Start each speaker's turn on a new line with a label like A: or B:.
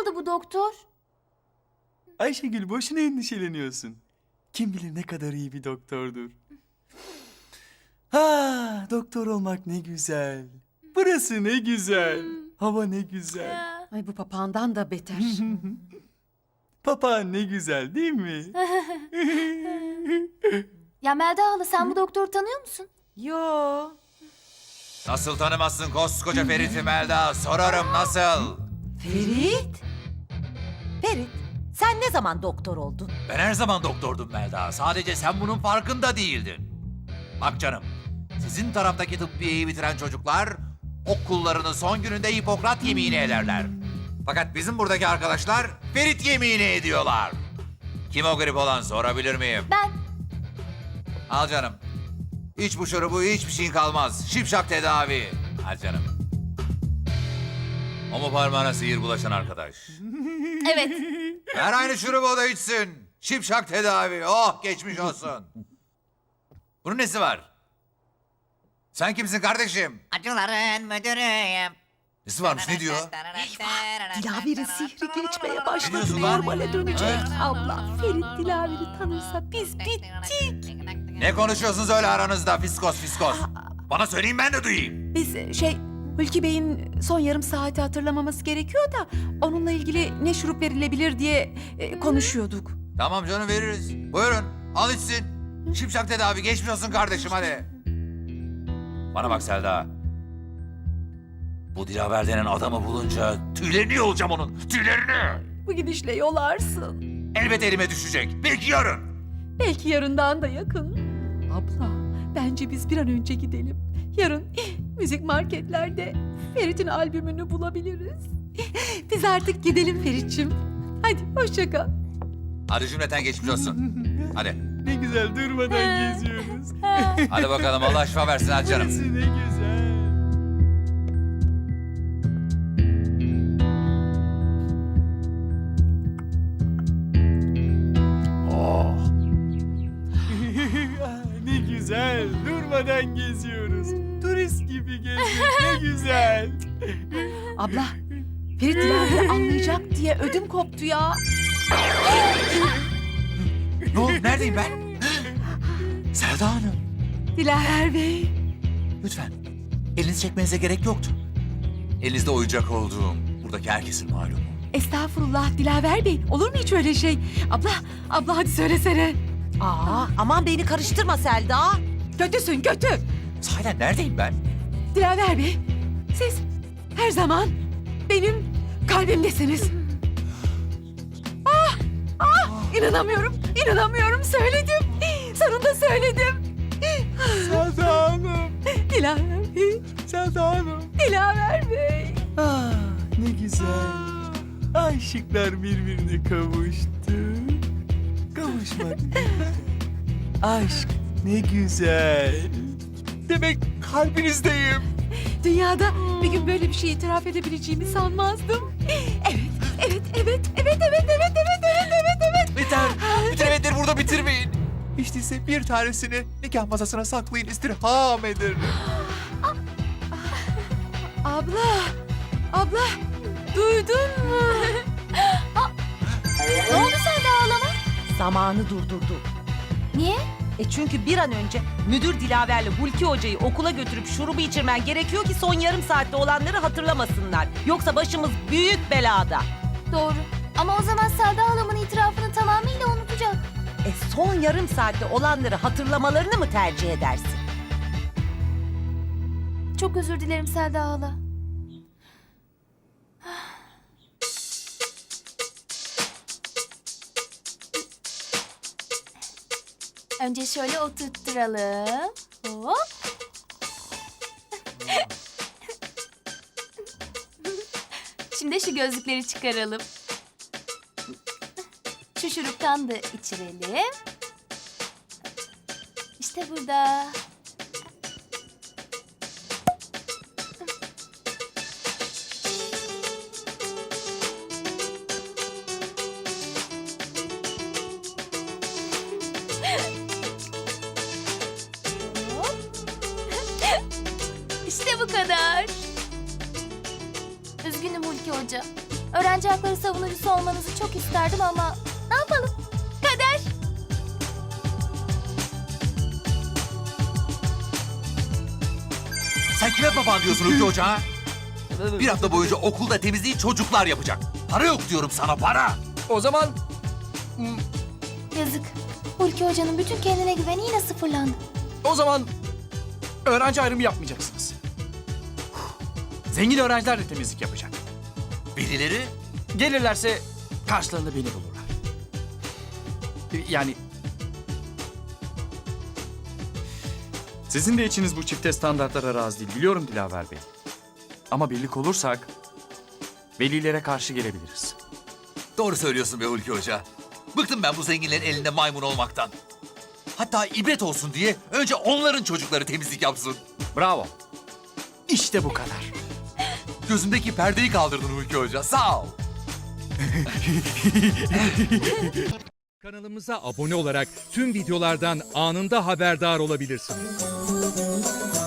A: aldı bu doktor?
B: Ayşegül boşuna endişeleniyorsun. Kim bilir ne kadar iyi bir doktordur. Ha, doktor olmak ne güzel. Burası ne güzel. Hava ne güzel.
C: Ay bu papağandan da beter.
B: Papağan ne güzel değil mi?
A: Ya Melda hala sen bu doktoru tanıyor musun?
C: Yo.
D: Nasıl tanımazsın koskoca Ferit'i Melda? Sorarım nasıl?
C: Ferit?
E: Ferit, sen ne zaman doktor oldun?
D: Ben her zaman doktordum Melda. Sadece sen bunun farkında değildin. Bak canım, sizin taraftaki tıbbiyeyi bitiren çocuklar okullarının son gününde Hipokrat yemini ederler. Fakat bizim buradaki arkadaşlar Ferit yemini ediyorlar. Kim o grip olan sorabilir miyim?
A: Ben.
D: Al canım. İç bu şurubu, hiçbir şeyin kalmaz. Şipşak tedavi. Al canım. O mu parmağına sihir bulaşan arkadaş?
A: Evet.
D: Ver aynı şurubu o da içsin. Şipşak tedavi. Oh geçmiş olsun. Bunun nesi var? Sen kimsin kardeşim?
E: Acıların müdürüyüm.
D: Nesi varmış ne diyor?
C: Dilaver'in sihri geçmeye başladı.
D: diyorsun lan?
C: Normale dönecek. Abla Ferit Dilaver'i tanırsa biz bittik.
D: Ne konuşuyorsunuz öyle aranızda fiskos fiskos? Bana söyleyin ben de duyayım.
C: Biz Hulki Bey'in son yarım saati hatırlamaması gerekiyor da onunla ilgili ne şurup verilebilir diye konuşuyorduk.
D: Tamam canım veririz. Buyurun al içsin. Şipşak tedavi geçmiş olsun kardeşim hadi. Bana bak Selda. Bu Dilaver denen adamı bulunca tüylerini yolacağım onun. Tüylerini.
C: Bu gidişle yolarsın.
D: Elbet elime düşecek. Belki yarın.
C: Belki yarından da yakın. Abla bence biz bir an önce gidelim. Yarın müzik marketlerde Ferit'in albümünü bulabiliriz. Biz artık gidelim Ferit'ciğim. Hadi hoşça kal.
D: Hadi cümleten geçmiş olsun. Hadi.
B: Ne güzel durmadan geziyoruz.
D: Hadi bakalım Allah şifa versin hadi canım.
B: Burası ne güzel.
D: Oh.
B: Ne güzel. Durmadan geziyoruz. Turist gibi gezmek ne güzel.
C: Abla Ferit Dilaver'i anlayacak diye ödüm koptu ya.
D: Ne oldu? Neredeyim ben? Selda Hanım.
C: Dilaver Bey.
D: Lütfen. Elinizi çekmenize gerek yoktu. Elinizde oyuncak olduğum buradaki herkesin malumu.
C: Estağfurullah Dilaver Bey. Olur mu hiç öyle şey? Abla hadi söylesene.
E: Aa, aman beni karıştırma Selda.
C: Kötüsün kötü.
D: Sahiden neredeyim ben?
C: Dilaver Bey, siz her zaman benim kalbimdesiniz. İnanamıyorum söyledim. Sonunda söyledim.
B: Selda Hanım.
C: Dilaver Bey,
B: Selda Hanım.
C: Dilaver Bey.
B: Ah, ne güzel. Aşıklar birbirine kavuştu. Kavuşmak ne güzel. Aşk ne güzel. Demek kalbinizdeyim.
C: Dünyada bir gün böyle bir şey itiraf edebileceğimi sanmazdım. Evet.
D: Yeter. Bütün evetleri burada bitirmeyin. Hiç değilse bir tanesini nikah masasına saklayın istirham ederim.
C: Abla, duydun mu?
A: Ne oldu Selda halama?
E: Zamanı durdurdu.
A: Niye?
E: Çünkü bir an önce müdür Dilaver'le Hulki Hoca'yı okula götürüp şurubu içirmen gerekiyor ki son yarım saatte olanları hatırlamasınlar. Yoksa başımız büyük belada.
A: Doğru. Ama o zaman Selda halamın itirafını tamamıyla unutacak.
E: Son yarım saatte olanları hatırlamalarını mı tercih edersin?
A: Çok özür dilerim Selda hala. Önce şöyle oturtturalım. Hop. Şimdi şu gözlükleri çıkaralım. Şu şuruptan da içirelim. İşte burada. Hop. İşte bu kadar. Üzgünüm Hulki Hoca. Öğrenci hakları savunucusu olmanızı çok isterdim ama ne yapalım? Kader.
D: Sen kime baban diyorsun Hulki Hoca ha? Bir hafta boyunca okulda temizliği çocuklar yapacak. Para yok diyorum sana, para.
B: O zaman
A: Yazık. Hulki Hoca'nın bütün kendine güveni yine sıfırlandı.
B: öğrenci ayrımı yapmayacaksınız. Zengin öğrenciler de temizlik yapacak.
D: Birileri
B: Gelirlerse karşılarında beni bulurlar. Yani... Sizin de içiniz bu çifte standartlara razı değil, biliyorum Dilaver Bey. Ama birlik olursak velilere karşı gelebiliriz.
D: doğru söylüyorsun be Hulki Hoca. Bıktım ben bu zenginlerin elinde maymun olmaktan. Hatta ibret olsun diye önce onların çocukları temizlik yapsın.
B: Bravo. İşte bu kadar.
D: Gözümdeki perdeyi kaldırdın Hulki Hoca, sağ ol.
F: Kanalımıza abone olarak tüm videolardan anında haberdar olabilirsiniz.